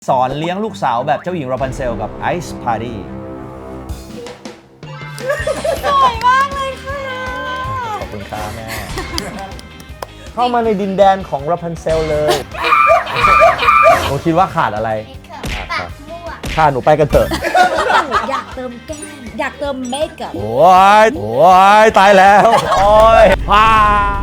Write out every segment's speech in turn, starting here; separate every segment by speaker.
Speaker 1: สอนเลี้ยงลูกสาวแบบเจ้าหญิงราพันเซลกับไอซ์พาร์ตี้
Speaker 2: สวยมากเลยค่ะ
Speaker 1: ขอบคุณครับแม่ เข้ามาในดินแดนของราพันเซลเลยหนูคิดว่าขาดอะไร
Speaker 3: ปากม่วง
Speaker 1: ขาดหนูไปกันเถอะ
Speaker 2: อยากเติมแก้มอยากเติมเมคอัพ
Speaker 1: โอ้ยตายแล้วโอ้ยพา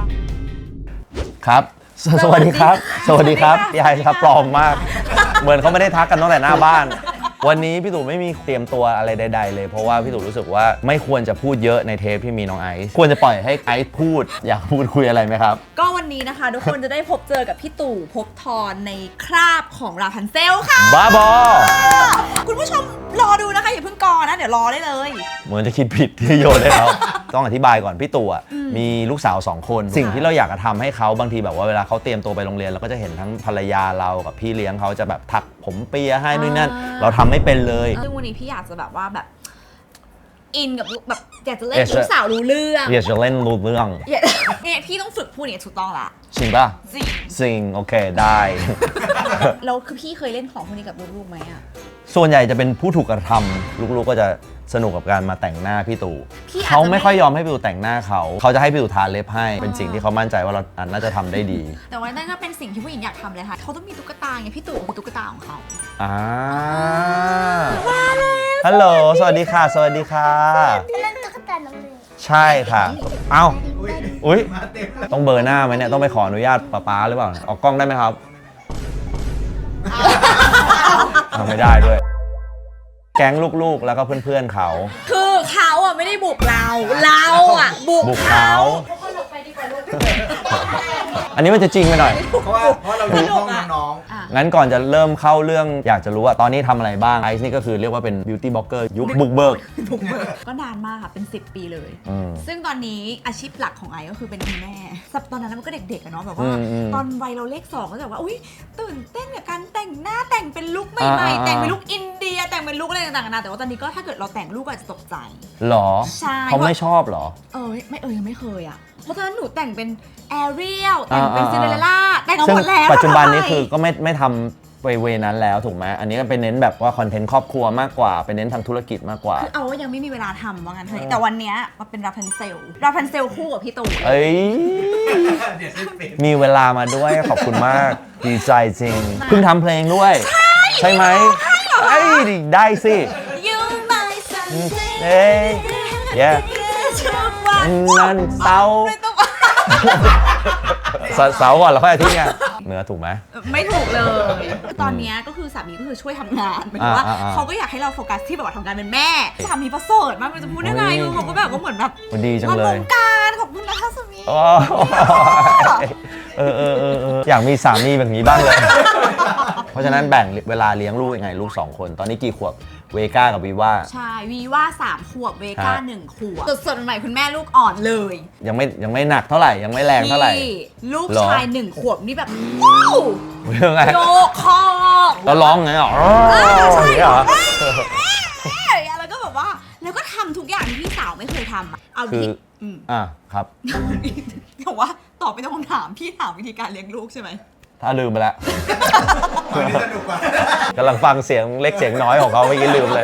Speaker 1: ครับสวัสดีครับ สวัสดีครับยายครับปลอมมาก เหมือนเขาไม่ได้ทักกันตั้งแต่หน้าบ้าน วันนี้พี่ตู่ไม่มีเตรียมตัวอะไรใดๆเลยเพราะว่าพี่ตู่รู้สึกว่าไม่ควรจะพูดเยอะในเทปที่มีน้องไอซ์ควรจะปล่อยให้ไอซ์พูดอยากพูดคุยอะไรไหมครับ
Speaker 2: ก็วันนี้นะคะทุกคนจะได้พบเจอกับพี่ตู่ภพธรในคราบของราพันเซลค่ะ
Speaker 1: บ้าบอ
Speaker 2: คุณผู้ชมรอดูนะคะอย่าเพิ่งกอนะเดี๋ยวรอได้เลย
Speaker 1: เหมือนจะคิดผิดที่โยนให้เขา ต้องอธิบายก่อนพี่ตู่มีลูกสาว2 คนสิ่งที่เราอยากจะทำให้เขาบางทีแบบว่าเวลาเขาเตรียมตัวไปโรงเรียนเราก็จะเห็นทั้งภรรยาเรากับพี่เลี้ยงเขาจะแบบถักผมเปียให้นู่นนั่นเราทำไม่เป็นเลย
Speaker 2: ซึ่งวันนี้พี่อยากจะแบบว่าแบบอินกับแบบอยากจะเล่นลูกสาวรู้เรื่อง
Speaker 1: อยากจะเล่นรู้เรื่อง
Speaker 2: เนี่ยพี่ต้องฝึกพูดอย่างถูกต้องละ
Speaker 1: จริงป่ะ
Speaker 2: จริง
Speaker 1: โอเคได้
Speaker 2: แล้วคือพี่เคยเล่นของพวกนี้กับลูกๆไหมอะ
Speaker 1: ส่วนใหญ่จะเป็นผู้ถูกกระทำลูกๆก็จะสนุกกับการมาแต่งหน้าพี่ตู่เขาไม่ค่อยยอมให้พี่ตู่แต่งหน้าเขาจะให้พี่ตู่ทาเล็บให้เป็นสิ่งที่เขามั่นใจว่าเราน่าจะทำได้ดี
Speaker 2: แต่ว่านั่นก็เป็นสิ่งที่ผู้หญิงอยากทำเลยค่ะเขาต้องมีตุ๊กตาไงพี่ตู่มีตุ๊กตาของเขา
Speaker 1: ฮัลโหลสวัสดีค่ะสวัสดีค่ะ
Speaker 3: เล่นตุ๊กตาน้องเลย
Speaker 1: ใช่ค่ะเอ้าอุ้ยต้องเบอร์หน้าไหมเนี่ยต้องไปขออนุญาตป๊าหรือเปล่าออกกล้องได้ไหมครับไม่ได้ด้วยแก๊งลูกๆแล้วก็เพื่อนๆเขา
Speaker 2: คือเขาอ่ะไม่ได้บุกเราอ่ะบุกเขา
Speaker 1: อันนี้มันจะจริงไปหน่อย
Speaker 4: เพราะเราดูห้องน้อง
Speaker 1: งั้นก่อนจะเริ่มเข้าเรื่องอยากจะรู้ว่าตอนนี้ทำอะไรบ้างไอซ์นี่ก็คือเรียกว่าเป็นบิวตี้บล็อกเกอร์ยุคบุกเบิก
Speaker 2: ก็นานมากค่ะเป็น10 ปีเลยซึ่งตอนนี้อาชีพหลักของไอซ์ก็คือเป็นคุณแม่ตอนนั้นมันก็เด็กๆอะเนาะแบบว่าตอนวัยเราเลข2ก็จะแบบว่าอุ้ยตื่นเต้นกับการแต่งหน้าแต่งเป็นลุคใหม่ๆแต่งเป็นลุคอินเดียแต่งเป็นลุคอะไรต่างๆนานาแต่ว่าตอนนี้ก็ถ้าเกิดเราแต่งลุคอาจจะตกใจ
Speaker 1: หรอ
Speaker 2: ใช่
Speaker 1: เขาไม่ชอบหรอ
Speaker 2: ยังไม่เคยอ่ะเพราะตอนนั้นหนูแต่งเป็นแอเรียลแต่งเป็นซินเดอเรลล่าแต่งกันหมดแล้ว
Speaker 1: ปัจจุบันนี้คือก็ไม่ทำเวนั้นแล้วถูกไหมอันนี้ก็เป็นเน้นแบบว่าคอนเทนต์ครอบครัวมากกว่าเป็นเน้นทางธุรกิจมากกว่า
Speaker 2: คือเอาว่ายังไม่มีเวลาทำว่างั้นเถอะแต่วันนี้มาเป็นราพันเซลคู่กับพี่ตู่
Speaker 1: มีเวลามาด้วยขอบคุณมากดีใจจริงเพิ่งทำเพลงด้วยใช่ไหมได้สิเฮ้ยนั่นเสาก่อนแล้วค่อยอาทิตย์ไงเนื้อถูกไหม
Speaker 2: ไม่ถูกเลยตอนนี้ก็คือสามีก็คือช่วยทำงานหมายถึงว่าเขาก็อยากให้เราโฟกัสที่แบบว่าทำงานเป็นแม่สามีประเสริฐมากมันจะพูดได้ไงเขาก็แบบว่าเหมือนแบบ
Speaker 1: ดีจังเลยว
Speaker 2: งการขอบคุณนะคะสามี
Speaker 1: อยากมีสามีแบบนี้บ้างเลยเพราะฉะนั้นแบ่งเวลาเลี้ยงลูกยังไงลูก2 คนตอนนี้กี่ขวบเวก้ากับวีว่า
Speaker 2: ใช่วีว่า3 ขวบเวก้า1 ขวบสดๆใหม่คุณแม่ลูกอ่อนเลย
Speaker 1: ยังไม่หนักเท่าไหร่ยังไม่แรงเท่าไหร่
Speaker 2: ลูกชาย1 ขวบนี่แบบว้าวโยกคอ
Speaker 1: แล้วร้องไงอ๋อ
Speaker 2: ใช่เหรอแล้วก็แบบว่าแล้วก็ทำทุกอย่างที่พี่สาวไม่เคยทำเอา
Speaker 1: คือครับ
Speaker 2: แต่ว่าตอบไปตรงคำถามพี่ถามวิธีการเลี้ยงลูกใช่ไหม
Speaker 1: ถ้าลืมไปแล้วกำลังฟังเสียงเล็กเสียงน้อยของเขาเมื่อกี้ลืมเลย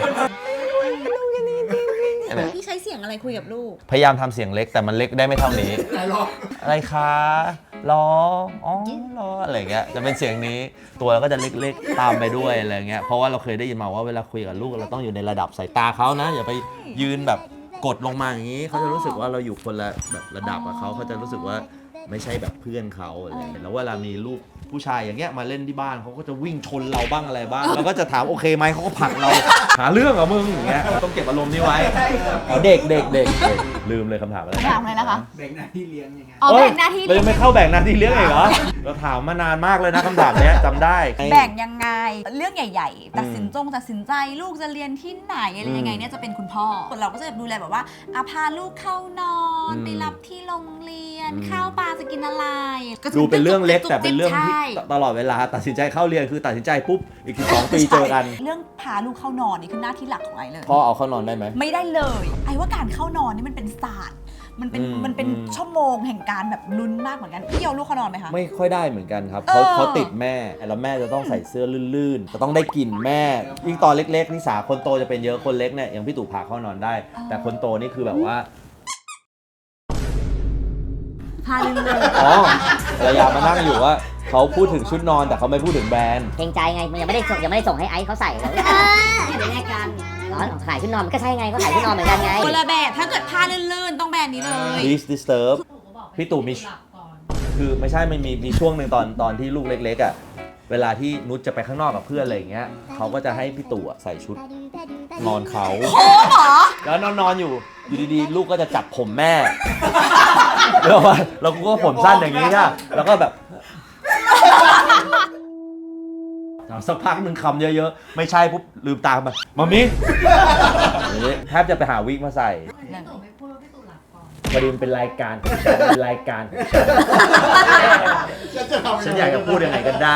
Speaker 2: พี่ใช้เสียงอะไรคุยกับลูก
Speaker 1: พยายามทำเสียงเล็กแต่มันเล็กได้ไม่เท่านี้อะไรคะล้อล้ออะไรเงี้ยจะเป็นเสียงนี้ตัวก็จะเล็กๆตามไปด้วยอะไรเงี้ยเพราะว่าเราเคยได้ยินมาว่าเวลาคุยกับลูกเราต้องอยู่ในระดับสายตาเขานะอย่าไปยืนแบบกดลงมาอย่างนี้เขาจะรู้สึกว่าเราอยู่คนละแบบระดับกับเขาจะรู้สึกว่าไม่ใช่แบบเพื่อนเขาอะไรแล้วเวลามีลูกผู้ชายอย่างเงี้ยมาเล่นที่บ้านเขาก็จะวิ่งชนเราบ้างอะไรบ้างเราก็จะถามโอเคไหมเขาก็ผลักเราหาเรื่องเหรอมึงอย่างเงี้ยต้องเก็บอารมณ์นี้ไว้เด็กลืมเลยคำถามอะไร
Speaker 2: นะคะ
Speaker 4: แบ่งหน้าที่เลี้ยงยังไง
Speaker 2: แบ่งหน้าที่
Speaker 1: เรายังไม่เข้าแบ่งหน้าที่เลี้ยงอีกเหรอเราถามมานานมากเลยนะคำถามเนี้ยจำได้
Speaker 2: แบ่งยังไงเรื่องใหญ่ๆตัดสินใจลูกจะเรียนที่ไหนอะไรยังไงเนี่ยจะเป็นคุณพ่อเราก็จะดูแลแบบว่าพาลูกเข้านอนไปรับที่โรงเรียนข้าวปลาจะกินอะไร
Speaker 1: ดูเป็นเรื่องเล็กแต่เป็นเรื่องที่ตลอดเวลาตัดสินใจเข้าเรียนคือตัดสินใจปุ๊บอีก2 ปีเจอกัน
Speaker 2: เรื่องพาลูกเข้านอนนี่คือหน้าที่หลักของไอเลย
Speaker 1: พ่อเอาเข้านอนได้ไหม
Speaker 2: ไม่ได้เลยไอว่าการเข้านอนนี่มันเป็นศาสตร์มันเป็นชั่วโมงแห่งการแบบลุ้นมากเหมือนกันพี่เอาลูกเขานอนไหมคะ
Speaker 1: ไม่ค่อยได้เหมือนกันครับ
Speaker 2: เออ
Speaker 1: เขาติดแม่แล้วแม่จะต้องใส่เสื้อลื่นๆจะต้องได้กลิ่นแม่ ยิ่งตอนเล็กๆนิสาคนโตจะเป็นเยอะคนเล็กเนี่ยอย่างพี่ตู่พาเข้านอนได้ แต่คนโตนี่คือแบบว่า
Speaker 2: พาลืมเลย
Speaker 1: อ๋อภรรยามานั่งอยู่ว่าเขาพูดถึงชุดนอนแต่เขาไม่พูดถึงแบรนด์
Speaker 5: เกรงใจไงมันยังไม่ได้ส่งให้ไอซ์เขาใส่เลยไม่ได้แลกกันร้อนขายชุดนอนมันก็ใช่ไงเขาขายชุดนอนเหมือนกันไง
Speaker 2: คนละแบบถ้าเกิดผ้าลื่นๆต้องแบรนด์นี้เลย
Speaker 1: Please disturb พี่ตู่มีคือไม่ใช่ไม่มีช่วงหนึ่งตอนที่ลูกเล็กๆอ่ะเวลาที่นุชจะไปข้างนอกกับเพื่อนอะไรอย่างเงี้ยเขาก็จะให้พี่ตู่อะใส่ชุดนอนเขา
Speaker 2: โอ้หรอ
Speaker 1: แล้วนอนอยู่ดีๆลูกก็จะจับผมแม่แล้วว่าเราก็ผมสั้นอย่างนี้ค่ะแล้วก็แบบสักพักหนึ่งคำเยอะๆไม่ใช่ปุ๊บลืมตามามามิแทบจะไปหาวิกมาใส่พอดีมันเป็นรายการของฉันเป็นรายการของฉันอยากจะพูดยังไงก็ได้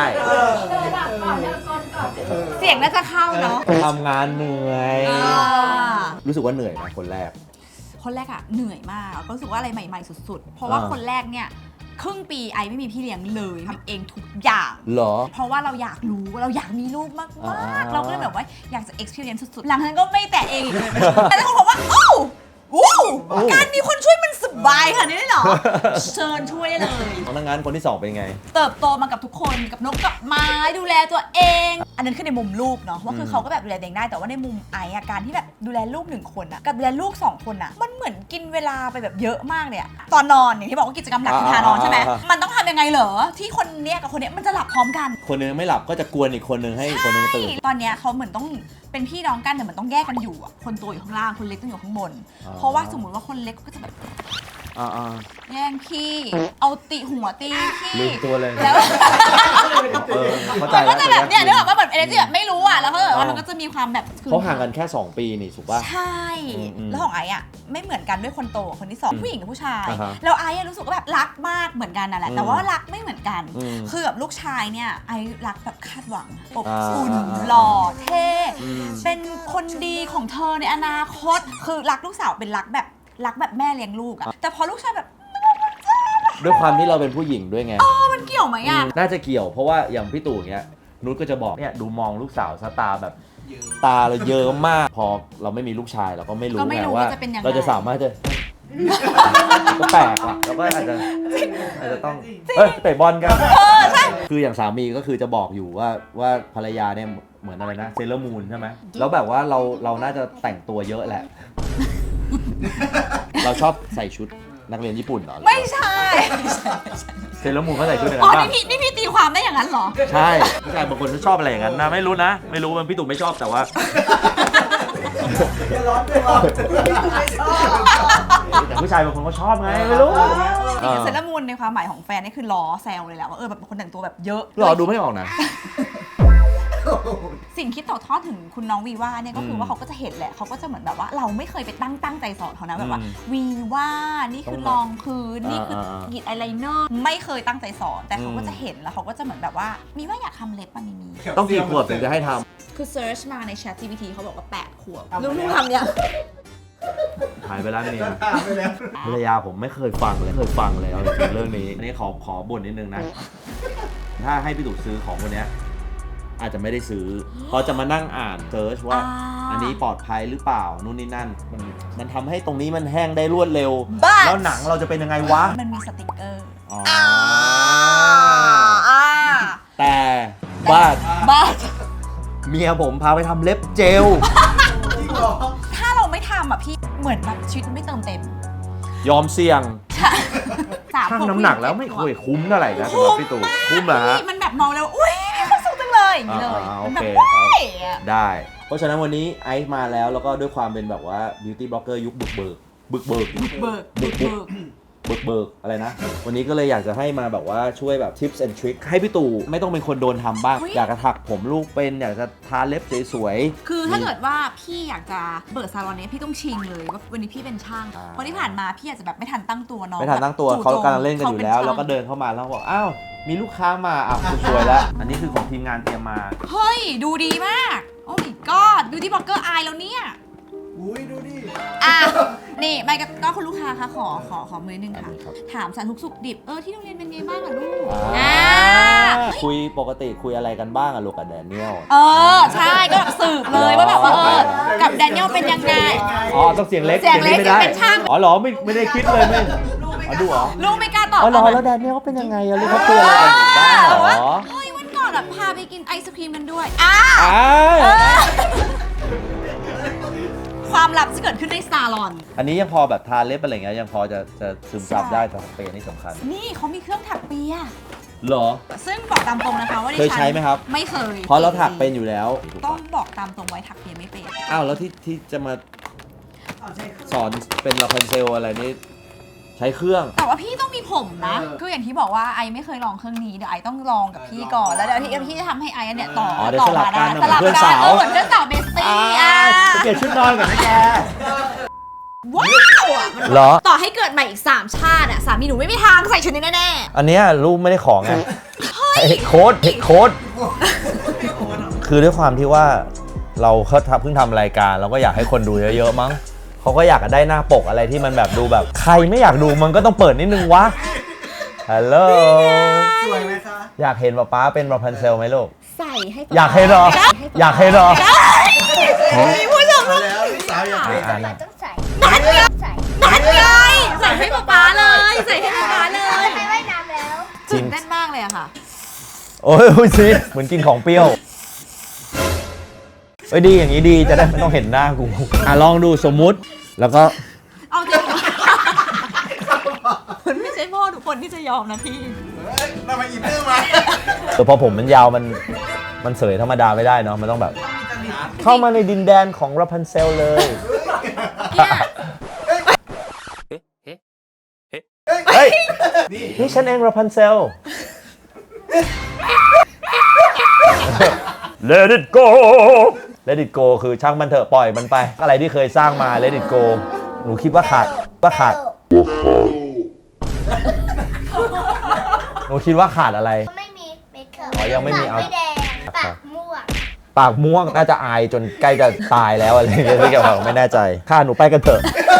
Speaker 2: เสียงน่าจะเข้าเนาะ
Speaker 1: ทำงานเหนื่อย รู้สึกว่าเหนื่อยไหมคนแรก
Speaker 2: คนแรกอะเหนื่อยมากก็รู้สึกว่าอะไรใหม่ๆสุดๆเพราะว่าคนแรกเนี่ยครึ่งปีไอไม่มีพี่เลี้ยงเลยทำเองทุกอย่าง
Speaker 1: เหรอ
Speaker 2: เพราะว่าเราอยากรู้เราอยากมีลูกมาก
Speaker 1: อ่า
Speaker 2: ๆเราก็เลยแบบว่าอยากจะ experience สุดๆหลังจากนั้นก็ไม่แตะเองอีกเลยแต่ทุกคนบอกว่าโอ้การมีคนช่วยมันสบายขนาดนี้เลยเหรอ เชิญช่วยได้เลย
Speaker 1: ดังนั้นคนที่สองเป็นไง
Speaker 2: เติบโตมากับทุกคนกับนกกับไม้ดูแลตัวเอง อันนั้นคือในมุมลูกเนาะว่าคือเขาก็แบบดูแลตัวเองได้แต่ว่าในมุมไออาการที่แบบดูแลลูก1คนอะกับดูแลลูก2คนอะมันเหมือนกินเวลาไปแบบเยอะมากเลยอะตอนนอนอย่างที่บอกว่ากิจกรรมหลักคือทานอนใช่ไหมมันต้องทำยังไงเหรอที่คนเนี้ยกับคนเนี้ยมันจะหลับพร้อมกัน
Speaker 1: คนนึงไม่หลับก็จะกวนอีกคนนึงให้อีกคนนึงตื่น
Speaker 2: ตอนเนี้ยเขาเหมือนต้องเป็นพี่น้องกันแต่เหมือนต้องแยกกันอยู่อะคนโตอยู่ข้างล่างคนเล็กต้องอยู่ข้างบน
Speaker 1: อ๋อ
Speaker 2: เพราะว่าสมมติว่าคนเล็กก็จะแบบ แย่งพี่เอาตีหัวตีพี่
Speaker 1: ลืมตัวเลย
Speaker 2: แล้ว
Speaker 1: เข้าใจ
Speaker 2: มันก็
Speaker 1: แล้ว
Speaker 2: จะแบบเนี่ยนึกออกว่าแบบเอเนจีแบบไม่รู้อ่ะแล้วก็แบบว่ามันก็จะมีความแบบ
Speaker 1: เขาห่างกันแค่ 2 ปีนี่ถูกป่ะ
Speaker 2: ใช่แล้วของไอ้อะไม่เหมือนกันด้วยคนโตกับคนที่สองผู้หญิงกับผู้ชาย
Speaker 1: อ่าฮะ
Speaker 2: แล้วไอ้อะรู้สึกว่าแบบรักมากเหมือนกันนั่นแหละแต่ว่ารักไม่เหมือนกัน
Speaker 1: อืม
Speaker 2: คือแบบลูกชายเนี่ยไอ้รักแบบคาดหวังอบ
Speaker 1: อ่า
Speaker 2: อุ่น
Speaker 1: อ่า
Speaker 2: หล่อเท่
Speaker 1: อืม
Speaker 2: เป็นคนดีของเธอในอนาคตคือรักลูกสาวเป็นรักแบบแม่เลี้ยงลูกอะแต่พอลูกชายแบบ
Speaker 1: ด้วยความที่เราเป็นผู้หญิงด้วยไง
Speaker 2: มันเกี่ยวไหมอะ
Speaker 1: น่าจะเกี่ยวเพราะว่าอย่างพี่ตู่อย่างเงี้ยนุชก็จะบอกเนี่ยดูมองลูกสาวซะตาแบบตาเราเยอะมาก พอเราไม่มีลูกชายเราก็ไม่รู้
Speaker 2: ก็ไม่
Speaker 1: ไง
Speaker 2: รู้
Speaker 1: ว่า
Speaker 2: ว่าจะเป็นยังไง
Speaker 1: เราจะสามารถจะ ก็แปลกอ่ะแล้วก็อาจจะต้องเตะบอลกันคืออย่างสามีก็คือจะบอกอยู่ว่าภรรยาเนี่ยเหมือนอะไรนะเซเลอร์มูนใช่ไหมแล้วแบบว่าเราน่าจะแต่งตัวเยอะแหละ เราชอบใส่ชุดนักเรียนญี่ปุ่นเหรอ
Speaker 2: ไม่ใช่
Speaker 1: เซเลอร์มูนเขาใส่ชุดอะไร
Speaker 2: อ๋อ
Speaker 1: บ้าง
Speaker 2: นี่พี่ตีความได้อย่างนั้นเหรอ
Speaker 1: ใช่ผู้ชายบางคนก็ชอบอะไรอย่างนั้นนะไม่รู้นะ ไม่รู้มันพี่ตู่ไม่ชอบแต่ว่า แต่ผู้ชายบางคนก็ชอบไงไม่รู้
Speaker 2: จริงๆเซเลอร์มูนในความหมายของแฟนนี่คือล้อแซวเลยแหละว่าแบบคนแต่งตัวแบบเยอะ
Speaker 1: หรอดูไม่ออกนะ
Speaker 2: สิ่งที่ต่อทอดถึงคุณน้องวีว่าเนี่ยก็คือว่าเขาก็จะเห็นแหละเขาก็จะเหมือนแบบว่าเราไม่เคยไปตั้งใจสอนเขานะแบบว่าวีว่านี่คือรองพื้นนี่คือกรีดอายไลเนอร์ไม่เคยตั้งใจสอนแต่เขาก็จะเห็นแล้วเขาก็จะเหมือนแบบว่ามีว่าอยากทำเล็บป่ะมี
Speaker 1: ต้องกี่ขวบถึงจะให้ท
Speaker 2: คือเซิร์ชมาใน Chat GPT เขาบอกว่า8 ขวบลูกๆทำเนี่ย
Speaker 1: ำหายไปแล้วเนี่ย
Speaker 4: ไปแล้ว
Speaker 1: ภรรยาผมไม่เคยฟังเลยเอาจริงๆเรื่องนี้อันนี้ขอบ่นนิดนึงนะ ถ้าให้พี่ตู่ซื้อของคนเนี้ยอาจจะไม่ได้ซื้อเพราะจะมานั่งอ่านเซิร์ชว่าอันนี้ปลอดภัยหรือเปล่านู่นนี่นั่นมันทำให้ตรงนี้มันแห้งได้รวดเร็ว แล้วหนังเราจะเป็นยังไงวะ
Speaker 2: มันมีสติกเกอร์
Speaker 1: อ๋อ
Speaker 2: อ่า
Speaker 1: แต่บ้าน
Speaker 2: บ้า
Speaker 1: เมียผมพาไปทำเล็บเจล
Speaker 2: ถ้าเราไม่ทำอ่ะพี่เหมือนแบบชีวิตมันไม่เติมเต็ม
Speaker 1: ยอมเสี่ยง
Speaker 2: 3
Speaker 1: ชั่งน้ำหนักแล้วไม่เคยคุ้มเท่าไหร่นะสำหรับพี่ตู่คุ้มเหรอฮะ
Speaker 2: มันแบบมองแล้วอุ้ยมีความสุขจังเลยอย่างนี้เลย
Speaker 1: โอ
Speaker 2: มัน
Speaker 1: เค
Speaker 2: แบบ
Speaker 1: ครับ
Speaker 2: เฮ้ยอะ
Speaker 1: ได้ เพราะฉะนั้นวันนี้ไอซ์มาแล้วแล้วก็ด้วยความเป็นแบบว่า beauty blogger ยุคบึกเบิกอะไรนะ วันนี้ก็เลยอยากจะให้มาแบบว่าช่วยแบบ tips and trick ให้พี่ตู่ไม่ต้องเป็นคนโดนทำบ้าง อยากจะถักผมลูกเป็นอยากจะทาเล็บสวยๆ
Speaker 2: คือถ้าเกิดว่าพี่อยากจะเปิดซาลอนนี้พี่ต้องชิงเลยว่าวันนี้พี่เป็นช่าง
Speaker 1: อ่า
Speaker 2: เพราะที่ผ่านมาพี่อาจจะแบบไม่ทันตั้งตัวเนาะ
Speaker 1: ไม่ทันตั้งตัว
Speaker 2: แบบ
Speaker 1: เขากำลังเล่นกันอยู่แล้ว
Speaker 2: ขาป็
Speaker 1: แล้วก็
Speaker 2: ช่าง
Speaker 1: เดินเข้ามาแล้วบอกอ้าวมีลูกค้ามาอ้าวสวยแล้ว อันนี้คือของทีมงานเตรียมมา
Speaker 2: เฮ้ย ดูดีมาก โอ้ my god ดูที่บล็อกเกอร์อายแล้วเนี่ย
Speaker 4: อุ้ยดูดิ
Speaker 2: อ่ะนี่ไม่ก็คุณลูกค้าคะขอมือหนึ่ง
Speaker 1: อัน
Speaker 2: ค่ะ
Speaker 1: นี้ครับ
Speaker 2: ถามสารทุกสุขดิบที่โรงเรียนเป็นไงบ้างอะลูก
Speaker 1: คุยปกติคุยอะไรกันบ้างอะลูกกับแดเนียล
Speaker 2: ใช่ก็แบบสืบเลยว่าแบบว่ากับแดเนียลเป็นยังไง
Speaker 1: อ๋อต้องเสียงเล็ก
Speaker 2: เสียงเล็ก
Speaker 1: ไม่ได้
Speaker 2: เป็นช่าง
Speaker 1: อ๋อเหรอไม่ได้คิดเลยไม่ดูเหรอ
Speaker 2: ลูกไม่กล้าตอบ
Speaker 1: อ๋อเหรอแล้วแดเนียลเขาเป็นยังไงอะลูกเขาคุยอะไรกันบ้างเหรอ
Speaker 2: เฮ้ยวันก่อนพาไปกินไอศครีมกันด้วยความลับที่เกิดขึ้นในซาลอน
Speaker 1: อันนี้ยังพอแบบทาเล็บอะไรเงี้ยยังพอจะซึมซับได้แต่เป็นอันนี้สำคัญ
Speaker 2: นี่เขามีเครื่องถักเปีย
Speaker 1: เหรอ
Speaker 2: ซึ่งบอกตามตรงนะคะว่าดิ
Speaker 1: เคย
Speaker 2: ฉัน
Speaker 1: ใช้ไหมครับ
Speaker 2: ไม่เคย
Speaker 1: เพราะเราถักเป็นอยู่แล้ว
Speaker 2: ต้องบอกตามตรงไว้ถักเปียไม่เป็น
Speaker 1: อ้าวแล้วที่จะมาสอนเป็นลาพันเซลอะไรนี่ใช้เครื่อง
Speaker 2: แต่ว่าพี่ต้องมีผมนะ คืออย่างที่บอกว่าไอไม่เคยลองเครื่องนี้เดี๋ยวไอต้องลองกับพี่ก่อนแล้วเดี๋ยวพี่จะทำให้ไอเนี่ยต่อ
Speaker 1: เดี๋ยว
Speaker 2: ต่
Speaker 1: สลับกัน
Speaker 2: สลับ
Speaker 1: เหมือนเพื่อน
Speaker 2: กั
Speaker 1: สาน ว
Speaker 2: เหมือนเพื่อนสาวเบสตี้
Speaker 1: ไปเปลี่ยนชุดนอนก่อนนะแก
Speaker 2: ว้าวอะ
Speaker 1: เหรอ
Speaker 2: ต่อให้เกิดใหม่อีก3ชาติสามีหนูไม่มีทางใส่ชุดนี้แน่
Speaker 1: อันเนี้ยลูกไม่ได้ของไงโค้ดคือด้วยความที่ว่าเราเพิ่งทำรายการเราก็อยากให้คนดูเยอะๆมั้งเขาก็อยากได้หน้าปกอะไรที่มันแบบดูแบบใครไม่อยากดูมันก็ต้องเปิดนิดนึงวะฮัลโหล
Speaker 4: สวยไหมคะ
Speaker 1: อยากเห็นป๊าเป็นราพันเซลไหมลูก
Speaker 2: ๆใส่ให้
Speaker 1: อยากเห็นเหรออยากเห็นเหรอ
Speaker 2: มีผู้ชม
Speaker 4: มาแล้วลูกสาวอยากเห็น
Speaker 3: เราต้องใส่ใส่
Speaker 2: นัดเลยใส่ให้ป๊าเลยใส่ให้ป๊าเลย
Speaker 3: ไปว่ายน้ำแล้ว
Speaker 1: จริง
Speaker 2: ตื่นเต้นมากเลยอะค่ะ
Speaker 1: โอ้ยสิเหมือนกินของเปรี้ยวเอ้ยดีอย่างนี้ดีจะได้ไม่ต้องเห็นหน้ากูลองดูสมมุติแล้วก็
Speaker 2: เอาจริงคุณไม่ใช่พ่อทุกคนที่จะยอมนะพี่
Speaker 4: ทำไมอินเนอร์มา
Speaker 1: พอผมมันยาวมันเสยธรรมดาไม่ได้เนาะมันต้องแบบ เข้ามาในดินแดนของราพันเซลเลย เฮ้ยนี่ฉันเองราพันเซล Let it go Let it go คือช่างมันเถอะปล่อยมันไป อะไรที่เคยสร้างมา Let it go หนูคิดว่าขาดหนูคิดว่าขาดอะไร
Speaker 3: ไม่มีเมคอัพ
Speaker 1: อ๋อยังไม่มีเอา
Speaker 3: ไม่แดงปากม่วง
Speaker 1: ปากม่วงน่าจะอายจนใกล้จะตายแล้วอะไรอย่างเงี้ยไม่เกี่ยวกับไม่แน่ใจข้าหนูไปกันเถอะ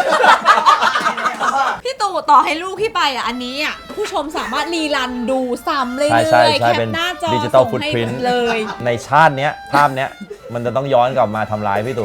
Speaker 2: พี่ตู่ต่อให้ลูกพี่ไปอันนี้ผู้ชมสามารถรีรันดูซ้ำเลย
Speaker 1: ใช่
Speaker 2: แคป
Speaker 1: เป็น
Speaker 2: หน้าจอ
Speaker 1: ดิจิตอล
Speaker 2: ส่
Speaker 1: ฟุ
Speaker 2: ง
Speaker 1: ต
Speaker 2: ให้
Speaker 1: พิ้น
Speaker 2: เลย
Speaker 1: ในชาติเนี้ยภาพเนี้ยมันจะต้องย้อนกลับมาทำร้ายพี่ตู่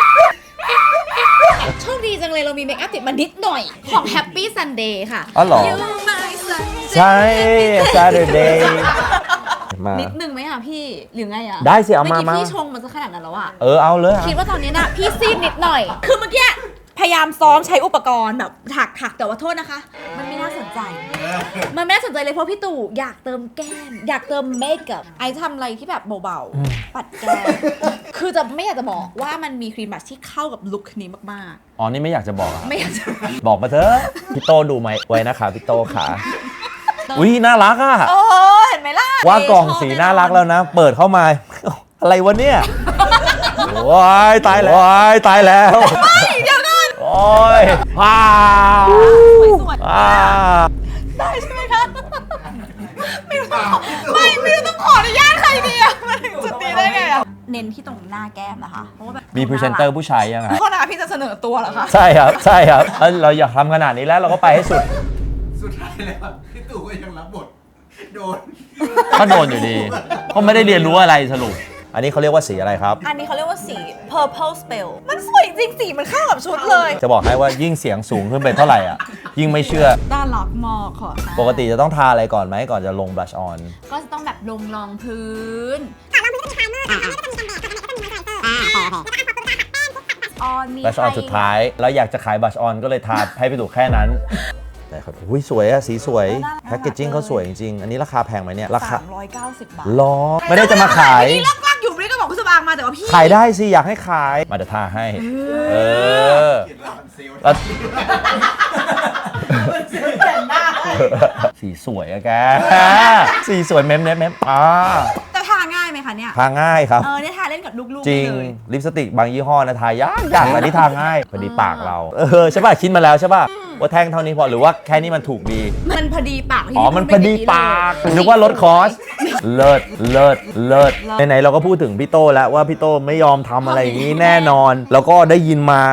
Speaker 2: โชคดีจังเลยเรามีเมคอัพติดมานิดหน่อยของ Happy Sunday ค่ะ
Speaker 1: อ๋อเหรอ
Speaker 2: You my Sunday
Speaker 1: ใช่ Saturday มา
Speaker 2: นิดนึงไหมพี่หรือไง
Speaker 1: ได้สิเอามา
Speaker 2: เมื่อกี้พี่ชงมันซะขนาดนั้นแล้ว
Speaker 1: เอาเลย
Speaker 2: คิดว่าตอนนี้พี่ซีดนิดหน่อย คือเมื่อกี้พยายามซ้อมใช้อุปกรณ์แบบถักแต่ว่าโทษนะคะ มันไม่น่าสนใจ มันไม่น่าสนใจเลยเพราะพี่ตู่อยากเติมแก้มอยากเติมเมคอัพไอทำอะไรที่แบบเบาๆปัดแก้มคือจะไม่อยากจะบอกว่ามันมีครีมบัชที่เข้ากับลุคนี้มาก
Speaker 1: อ๋อนี่ไม่อยากจะบอกอะ
Speaker 2: ๆ ไม่อยากจะ
Speaker 1: บอกมาเถอะพี่โตดูไหมไว้นะคะพี่โตขาอุ้ยน่ารักอ่ะ
Speaker 2: โอ้เห็นไหมล่ะ
Speaker 1: ว่ากล่องสีน่ารักแล้วนะ เปิดเข้ามา อะไรวะเนี่ยว้ายตายแล้ว
Speaker 2: เดี๋ยวก่อน
Speaker 1: โอ้ยว้าว
Speaker 2: สวย
Speaker 1: ว้าว
Speaker 2: ๆได้ใช่ไหมคะไม่รู้ต้องขออนุญาตใครดีอะมาถึงจุดนี้ได้ไงอะเน้นที่ตรงหน้าแก้มนะคะเพราะว่าแบบ
Speaker 1: มีพรีเซนเตอร์ผู้ชายยังไง
Speaker 2: โทษนะคะพี่จะเสนอตัวเหรอคะ
Speaker 1: ใช่ครับเราอยากทำขนาดนี้แล้วเราก็ไปให้สุด
Speaker 4: สุดท้ายแล้วพี่ตู่ก็ยังรับบทโดน
Speaker 1: ก็โดนอยู่ดีเขาไม่ได้เรียนรู้อะไรสรุป อันนี้เขาเรียกว่าสีอะไรครับ
Speaker 2: อันนี้เขาเรียกว่าสี purple spell มันสวยจริงสีมันเข้ากับชุดเลย
Speaker 1: จะบอกให้ว่ายิ่งเสียงสูงขึ้นไปเท่าไหร่อ่ะ ยิ่งไม่เชื่อ
Speaker 2: น่ารักมากค่ะ
Speaker 1: ปกติจะต้องทาอะไรก่อนไหมก่อนจะลงบลัชออน
Speaker 2: ก็จะต้องแบบลงรองพื้นออนมี
Speaker 1: บลัชออนสุดท้าย แล้วอยากจะขายบลัชออนก็เลยทาให้พี่ตู่แค่นั้นแต่ครับอุ้ยสวยอะสีสวยแพคเกจจิ้งเขาสวยจริงๆอันนี้ราคาแพงไหมเนี่ยราคา
Speaker 2: 390 บาท
Speaker 1: ล้อไม่ได้จะมาขาย
Speaker 2: นี่ลักๆอยู่ไม่ได้ก็บอกคุณสบางมาแต่ว่าพี่
Speaker 1: ขายได้สิอยากให้ขายมาเดี๋ยวทาให้เออ
Speaker 4: เขียนร้านเซลล์
Speaker 1: แล้วสีสวยอะแกสีสวยเม้ม
Speaker 2: แต่ทาง่ายไหมคะเนี่ย
Speaker 1: ทาง่ายครับ
Speaker 2: เนี่ยทาเล่นกับลูกๆ
Speaker 1: จริง
Speaker 2: ได้เลย
Speaker 1: ลิปสติกบางยี่ห้อนะทายากแต่ที่ทาง่ายพอดีปากเราใช่ป่ะคิดมาแล้วใช่ป่ะว่าแท่งเท่านี้พอหรือว่าแค่นี้มันถูกดี
Speaker 2: มันพอดีปากที่
Speaker 1: อ๋อมันพอดีปากนึกว่าลดคอสเลิศไหนๆเราก็พูดถึงพี่โตแล้วว่าพี่โตไม่ยอมทำอะไรอย่างนี้แน่นอน แล้วก็ได้ยินมา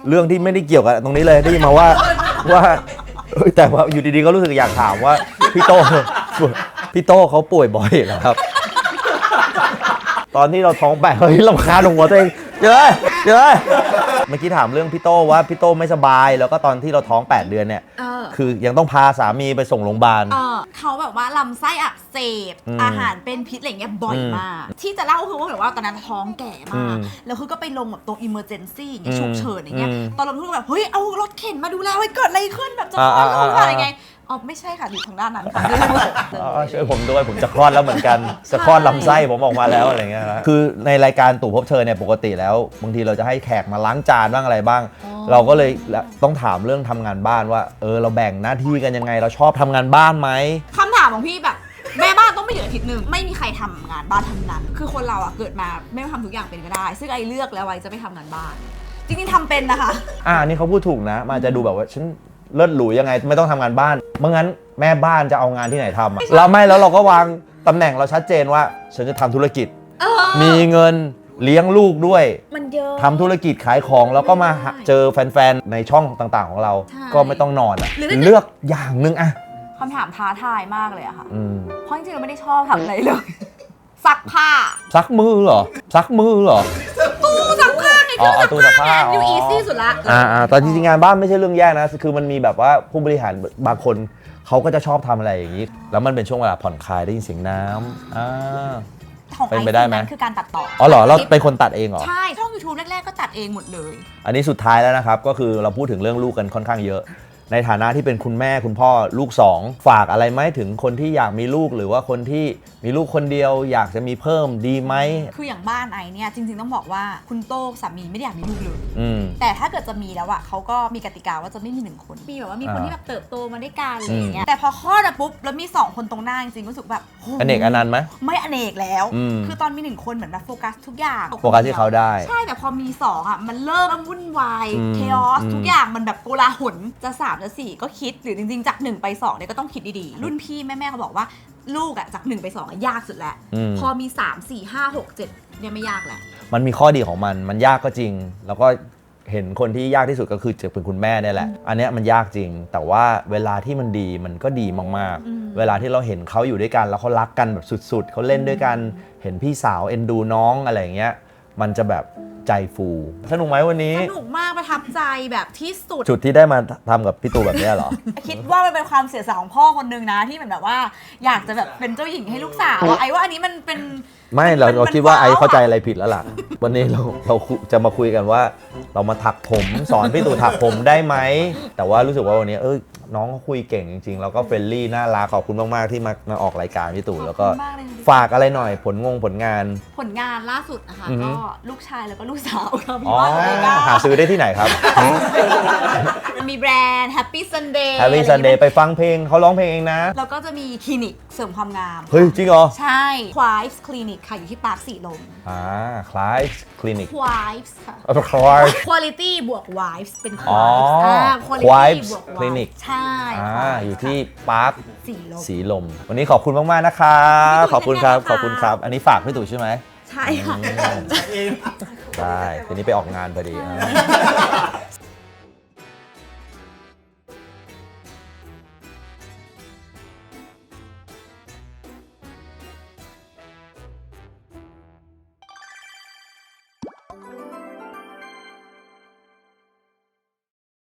Speaker 1: เรื่องที่ไม่ได้เกี่ยวกับตรงนี้เลยได้ยินมาว่าแต่ว่าอยู่ดีๆก็รู้สึกอยากถามว่าพี่โต้เขาป่วยบ่อยเหรอครับ ตอนที่เราท้อง8เฮ้ยรำคาญหัวตัวเองเมื่อกี้ถามเรื่องพี่โต้ว่าพี่โต้ไม่สบายแล้วก็ตอนที่เราท้อง8 เดือนเนี่ยคือยังต้องพาสามีไปส่งโรงพยาบาล
Speaker 2: เขาแบบว่าลำไส้อักเสบอาหารเป็นพิษอะไรเงี้ยบ่อยมากที่จะเล่าคือว่าแบบว่าตอนนั้นท้องแก่มากแล้วคือก็ไปลงแบบตรง emergency อย่างเงี้ยฉุกเฉินอย่างเงี้ยตอนเราพูดแบบเฮ้ยเอารถเข็นมาดูแลไว้เกิดอะไรขึ้นแบบจะคลอดลูกอะไรไงอ๋อไม่ใช่ค่ะอยู่ทางด้านนั้นค่ะ
Speaker 1: ช่วยผมด้วยผมจะคลอดแล้วเหมือนกันจะคลอดลำไส้ผมออกมาแล้วอะไรเงี้ยนะคือในรายการตู่พบเธอเนี่ยปกติแล้วบางทีเราจะให้แขกมาล้างจานบ้างอะไรบ้างเราก็เลยต้องถามเรื่องทำงานบ้านว่าเราแบ่งหน้าที่กันยังไงเราชอบทำงานบ้านไหม
Speaker 2: คำถามของพี่แบบแม่บ้านต้องไม่อยู่อาทิตย์หนึ่งไม่มีใครทำงานบ้านทำนั้นคือคนเราอะเกิดมาไม่ทำทุกอย่างเป็นก็ได้ซึ่งไอเลือกแล้วไอจะไม่ทำงานบ้านจริงๆทำเป็นนะคะ
Speaker 1: อันนี้เขาพูดถูกนะมันจะดูแบบว่าฉันเลิศหรูยังไงไม่ต้องทำงานบ้านเมื่องั้นแม่บ้านจะเอางานที่ไหนทำแล้วเราก็วางตำแหน่งเราชัดเจนว่าฉันจะทำธุรกิจมีเงินเลี้ยงลูกด้วย
Speaker 2: มันเยอะ
Speaker 1: ทำธุรกิจขายของแล้วก็มาเจอแฟนๆในช่องต่างๆของเราก็ไม่ต้องนอนเลือกอย่างนึง
Speaker 2: คำถามท้าทายมากเลยอะค่ะเพราะจริงๆเราไม่ได้ชอบทำอะไรเลยซักผ้า
Speaker 1: ซักมือเหรอ
Speaker 2: ตู้ซักผ้าไงตู้ซักผ้าอยู่อีซี่สุดละ
Speaker 1: แต่จริงๆงานบ้านไม่ใช่เรื่องแย่นะคือมันมีแบบว่าผู้บริหารบางคนเขาก็จะชอบทำอะไรอย่างนี้แล้วมันเป็นช่วงเวลาผ่อนคลายได้ยินเสียงน้ำ
Speaker 2: ของไอซ์นั้นคือการตัดต่อ
Speaker 1: เหรอเราเป็นคนตัดเองเหรอ
Speaker 2: ใช่ช่อง YouTube แรกๆก็ตัดเองหมดเลย
Speaker 1: อันนี้สุดท้ายแล้วนะครับก็คือเราพูดถึงเรื่องลูกกันค่อนข้างเยอะในฐานะที่เป็นคุณแม่คุณพ่อลูก2ฝากอะไรไหมถึงคนที่อยากมีลูกหรือว่าคนที่มีลูกคนเดียวอยากจะมีเพิ่มดีไหม
Speaker 2: คืออย่างบ้านไอเนี่ยจริงๆต้องบอกว่าคุณโต้สามีไม่ได้อยากมีลูกเลยแต่ถ้าเกิดจะมีแล้วอะเขาก็มีกติกาว่าจะไม่มี1คนมีแบบว่ามีคนที่แบบเติบโตมาด้วยกันอะไรอย่างเงี้ยแต่พอคลอดปุ๊บแล้วมี2คนตรงหน้าจริงๆรู้สึกแบบ
Speaker 1: อเนกอนันต์ไหม
Speaker 2: ไม่อเนกแล้วคือตอนมี1คนเหมือนแบบโฟกัสทุกอย่าง
Speaker 1: โฟกัสที่เขาได้
Speaker 2: ใช่แต่พอมี2อะมันเริ่มวุ่นวายเคออสทุกอย่างมันแบบโกลาหลจะ3จะ4ก็คิดหรือจริงๆจาก1ไป2เนี่ยก็ต้องคิดดีๆรุ่นพี่แม่ๆเขาบอกว่าลูกอะจาก1ไป2อะยากสุดแล้วพอมี3 4 5 6 7เนี่ยไม่ยากแหละ
Speaker 1: มันมีข้อดีของมันยากก็จริงแล้วก็เห็นคนที่ยากที่สุดก็คือจะเป็นคุณแม่นี่แหละอันนี้มันยากจริงแต่ว่าเวลาที่มันดีมันก็ดีมากๆเวลาที่เราเห็นเขาอยู่ด้วยกันแล้วเขารักกันแบบสุดๆเขาเล่นด้วยกันเห็นพี่สาวเอ็นดูน้องอะไรอย่างเงี้ยมันจะแบบใจฟูสนุกไหมวันนี้
Speaker 2: สนุกมากประทับใจแบบที่สุด
Speaker 1: จุดที่ได้มาทำกับพี่ตู่แบบนี้เหรอ
Speaker 2: คิดว่ามันเป็นความเสียสละของพ่อคนนึงนะที่แบบว่าอยากจะแบบเป็นเจ้าหญิงให้ลูกสาวไอ้ว่าอันนี้มันเป็น
Speaker 1: ไม่เราคิดว่าไอ้เข้าใจอะไรผิดแล้วล่ะวันนี้เราจะมาคุยกันว่าเรามาถักผมสอนพี่ตู่ถักผมได้ไหมแต่ว่ารู้สึกว่าวันนี้น้องเขาคุยเก่งจริงๆแล้วก็เฟรนลี่น่ารักขอบคุณมากๆที่มาออกรายการพี่ตู่แล้วก็ฝากอะไรหน่อยผลงาน
Speaker 2: ล่าสุดนะคะก็ลูกชายแล้วก็ลูกสาวครับพี่
Speaker 1: หาซื้อได้ที่ไหนครับ
Speaker 2: มีแบรนด์ Happy Sunday
Speaker 1: Happy Sunday ไปฟังเพลงเขาร้องเพลงเองนะ
Speaker 2: แล้วก็จะมีคลินิกเสริมความงาม
Speaker 1: เฮ้ยจริงเหรอ
Speaker 2: ใช่ Quives Clinic ค่ะอยู่ที่ปาร์คสีลม
Speaker 1: Quives Clinic
Speaker 2: Quives ค่ะ Quality บวก Wives เป็น
Speaker 1: Quives Clinic
Speaker 2: ใช่
Speaker 1: อยู่ที่ปาร์คสีลมวันนี้ขอบคุณมากๆนะครับขอบคุณครับอันนี้ฝากพี่ตู่ใช่ไหม
Speaker 2: ใช่ค่ะ
Speaker 1: ได้ทีนี้ไปออกงานพอดี